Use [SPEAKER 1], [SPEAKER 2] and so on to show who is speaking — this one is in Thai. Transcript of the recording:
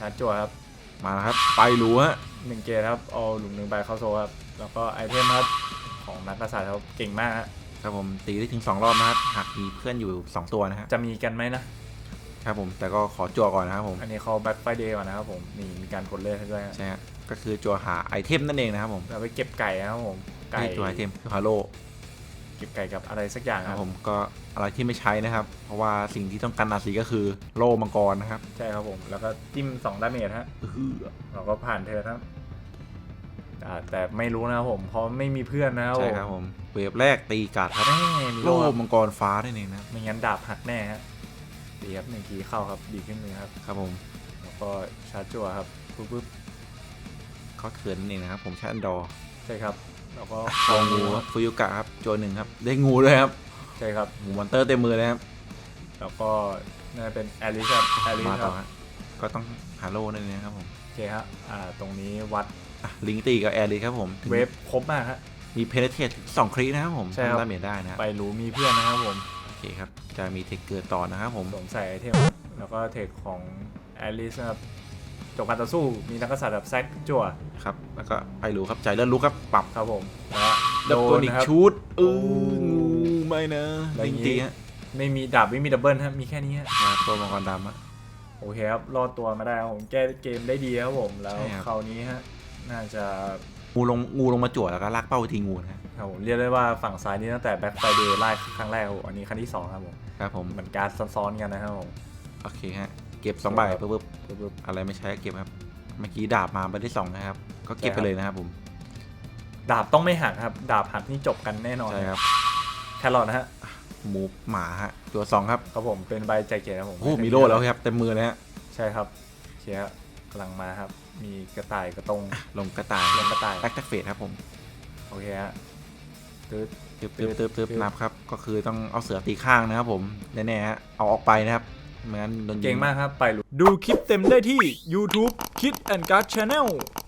[SPEAKER 1] าร์จจั่วครับ
[SPEAKER 2] มาครับไปรู้ฮะ
[SPEAKER 1] 1 เกตครับเอาหลุม1 ใบเข้าโซ่ครับแล้วก็ไอเทมครับของนักกษัตริย์ครับเก่งมาก
[SPEAKER 2] ครับผมตีได้ถึง2 รอบนะครับหากมีเพื่อนอยู่2 ตัวนะฮะ
[SPEAKER 1] จะมีกันไหมนะครับ
[SPEAKER 2] ผมแต่ก็ขอจั่วก่อนนะครับผม
[SPEAKER 1] อันนี้เขาแบ็คไฟเดย์ก่อนนะครับผมนี่มีการกดเลือดให้ด้วย
[SPEAKER 2] ใช่ฮะก็คือจั่วหาไอเทมนั่นเองนะครับผม
[SPEAKER 1] เราไปเก็บไก่นะครับผมไก่
[SPEAKER 2] ตัวไอเทมคือฮาโล
[SPEAKER 1] เก็บไก่กับอะไรสักอย่าง
[SPEAKER 2] ครับผมก็อะไรที่ไม่ใช้นะครับเพราะว่าสิ่งที่ต้องการนาสีก็คือโล่มังกรนะครับ
[SPEAKER 1] ใช่ครับผมแล้วก็จิ้ม2 ดาเมจฮะเราก็ผ่านเธอครับแต่ไม่รู้นะครับผมเพราะไม่มีเพื่อนนะครับ
[SPEAKER 2] ใช่ครับผมเวฟแรกตีกาดครับโล่มังกรฟ้าได้เองนะ
[SPEAKER 1] ไม่งั้นดาบหักแน่ฮะดีครับ1 ทีเข้าครับดีขึ้นมือครับ
[SPEAKER 2] ครับผม
[SPEAKER 1] แล้วก็ชาร์จจั่วครับปุ๊บ
[SPEAKER 2] เขาเขินนั่นเองนะครับผมใช้อันดอร์
[SPEAKER 1] ใช่ครับแล้วก็
[SPEAKER 2] คองูฟุยุกะครับจั่ว1ครับได้งูด้วยครับ
[SPEAKER 1] ใช่ครับ
[SPEAKER 2] หมูมอนเตอร์เต็มมือเลยครับ
[SPEAKER 1] แล้วก็น่าเป็นแอลิสครับแอลิสครับ
[SPEAKER 2] ก็ต้องหาโล่นั่นเองครับผม
[SPEAKER 1] โอเคครับตรงนี้วัด
[SPEAKER 2] ลิงตีกับแอริครับผม
[SPEAKER 1] เวฟครบมากฮะ
[SPEAKER 2] มีเพเนเทต2 คลินะครับผม
[SPEAKER 1] ใช่ครับ
[SPEAKER 2] ดาเมจได้นะ
[SPEAKER 1] ไปรู้มีเพื่อนนะครับผม
[SPEAKER 2] โอเคครับจะมีเทคเกิดต่อนะครับผม
[SPEAKER 1] สวมใส่ไอเทมแล้วก็เทคของแอลิสครับจบการต่อสู้มีนักกษัตริย์แบบแซกจั่ว
[SPEAKER 2] ครับแล้วก็ไปรู้ครับใจเลื่อนลุกครับปรับ
[SPEAKER 1] ครับผมแล้ว
[SPEAKER 2] ดับตัวอีกชุดงูไม่นะลิงตีฮะ
[SPEAKER 1] ไม่มีดาบไม่มีดับเบิลฮะมีแค่นี้ฮะ
[SPEAKER 2] ตัวมังกรดำอะ
[SPEAKER 1] โอเคครับรอดตัวมาได้ครับผมแก้เกมได้ดีครับผมแล้วคราวนี้ฮะน่าจะ
[SPEAKER 2] งูลงมาจั่วแล้วก็ลากเป้าไปทีงูนะครับ
[SPEAKER 1] ผมเรียกได้ว่าฝั่งซ้ายนี้ตั้งแต่แบ็คไฟเดย์ไล่ครั้งแรกครับอันนี้ครั้งที่2ครับผม
[SPEAKER 2] ครับผม
[SPEAKER 1] เหมือนการซ้อนๆกันนะครับผม
[SPEAKER 2] โอเคฮะเก็บ2 ใบปุ๊บอะไรไม่ใช้เก็บครับเมื่อกี้ดาบมาใบที่2นะครับก็เก็บไปเลยนะครับผม
[SPEAKER 1] ดาบต้องไม่หักครับดาบหักนี่จบกันแน่นอน
[SPEAKER 2] ใช่ครับ
[SPEAKER 1] แครอทนะฮะ
[SPEAKER 2] หมูหมาฮะตัว2ครับ
[SPEAKER 1] ครับผมเป็นใบใจเกตครับผม
[SPEAKER 2] โอ้มีโล่แล้วครับเต็มมือเลยฮะ
[SPEAKER 1] ใช่ครับเชียร์กำลังมาครับมีกระต่ายกระตง
[SPEAKER 2] ลงกระต่ายแบ็คแท็กเฟสครับผม
[SPEAKER 1] โอเคฮะตึ๊
[SPEAKER 2] บนับครับก็คือต้องเอาเสือตีข้างนะครับผมแน่ๆฮะเอาออกไปนะครับเหมือนโดน
[SPEAKER 1] เก่งมากครับไปดูคลิปเต็มได้ที่ YouTube Kid and Guard Channel